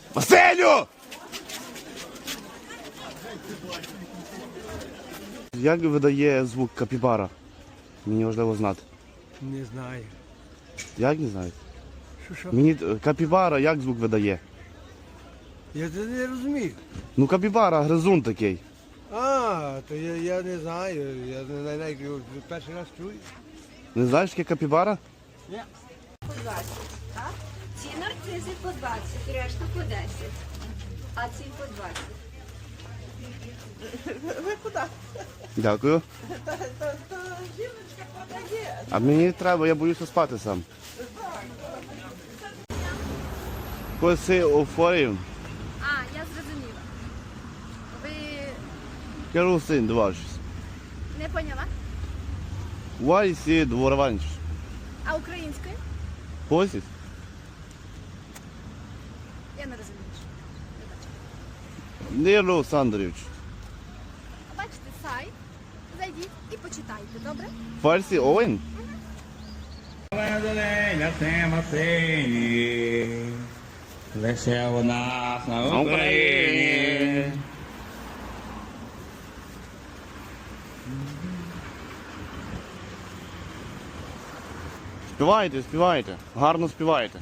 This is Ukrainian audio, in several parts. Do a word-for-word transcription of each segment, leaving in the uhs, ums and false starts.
Василю! Як видає звук капібара? Мені важливо знати. Не знаю. Як не знаєте? Що, що? Мені е, капібара як звук видає? Я це не розумію. Ну капібара, гризун такий. А, то я, я не знаю. Я не знаю, перший раз чую. Не знаєш, яке капібара? Ні. По двадцять, так? Ці нарцизи по двадцять, решта по десять. А ці по двадцять. Ви куди? Дякую. Та, та, та жіночка подає. А мені треба, я боюся спати сам. Коси офорів. А, я зрозуміла. Ви Керосин два шість. не поняла? Вайсі дворованч. А українською? Посість? Я не розумію. Ніло Олександрович. Бачите сайт, зайдіть і почитайте, добре? Фарсі Овен? Лише у нас на Україні. Співайте, співайте. Гарно співайте.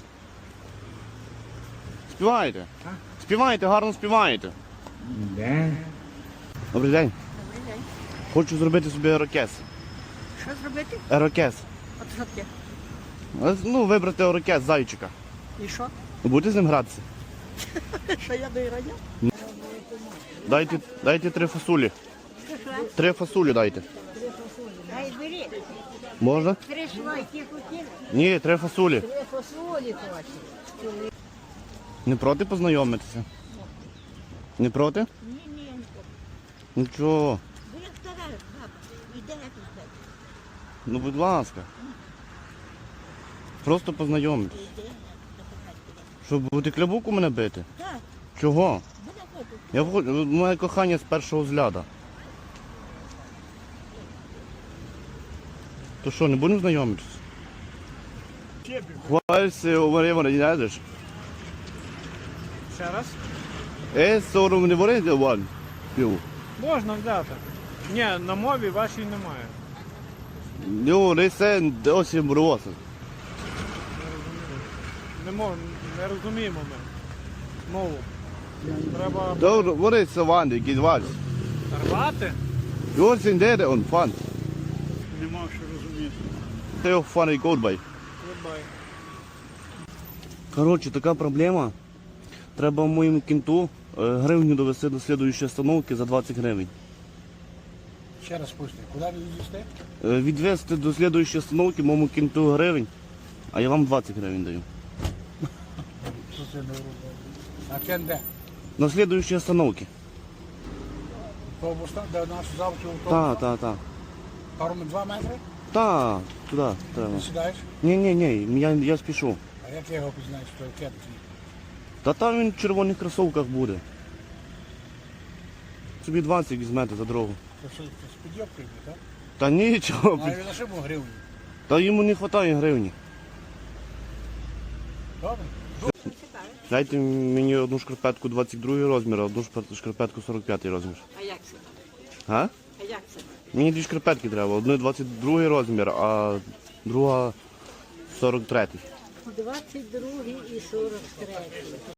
Співайте. Співайте, гарно співайте. Де? Добрий день. Добрий день. Хочу зробити собі ерокез. Що зробити? Ерокез. От що таке? Е, Ну, вибрати ерокез зайчика. І що? Будете з ним гратися? Що я до Іраня? Дайте, дайте три фасулі. Три фасулі дайте. Ай, бери. Можна? Три швайки хотіли. Ні, три фасулі. Три фасолі хочуть. Не проти познайомитися? Не проти? Ні, ні. Нічого. Ви як стара баба. Іде як тебе. Ну, будь ласка. Просто познайомитися. Іде. Щоб бути клябуку мене бити? Так, Чого? буде хочу. Я вход- моє кохання з першого взгляду. То що, не будемо знайомитися? Хвальси у Марії не знаєш? Ще раз? Е, сором не варити вон. Пів. Можна взяти. Ні, на мові вашій немає. Ну, не це досі броса. Не, мов, не розуміємо ми мову. Треба Добре, вони це ванди, якісь вальс. рвати. І ось він де он фан. Нема що розуміти. Це його фан і колбай. Вибай. Коротше, така проблема. Треба моєму кінту е, гривню довести до слідуючої остановки за двадцять гривень. Ще раз пусти. Куди ви їздите? Е, Відвести до слідуючої остановки моєму кінту гривень, а я вам двадцять гривень даю. Що це не робить? А кен де? На слідуючій остановці. Автобус там, де наш завтра автобус? Так, так, так. Пару два метри? Так, туди треба. Ти сідаєш? Ні, ні, ні, я, я спішу. А як я його пізнаєш, що кен твій? Та там він в червоних кросовках буде. Собі двадцять візьмете за дорогу. Це що, це з підйобкою, так? Та нічого. А він на шибу гривню. Та йому не вистачає гривні. Добре? Дайте мені одну шкарпетку двадцять другий розмір, а одну шпар- шкарпетку сорок п'ятий розмір. А як це? А? А як це? Мені дві шкарпетки треба. Одну двадцять другий розмір, а друга сорок третій. двадцять другий і сорок третій.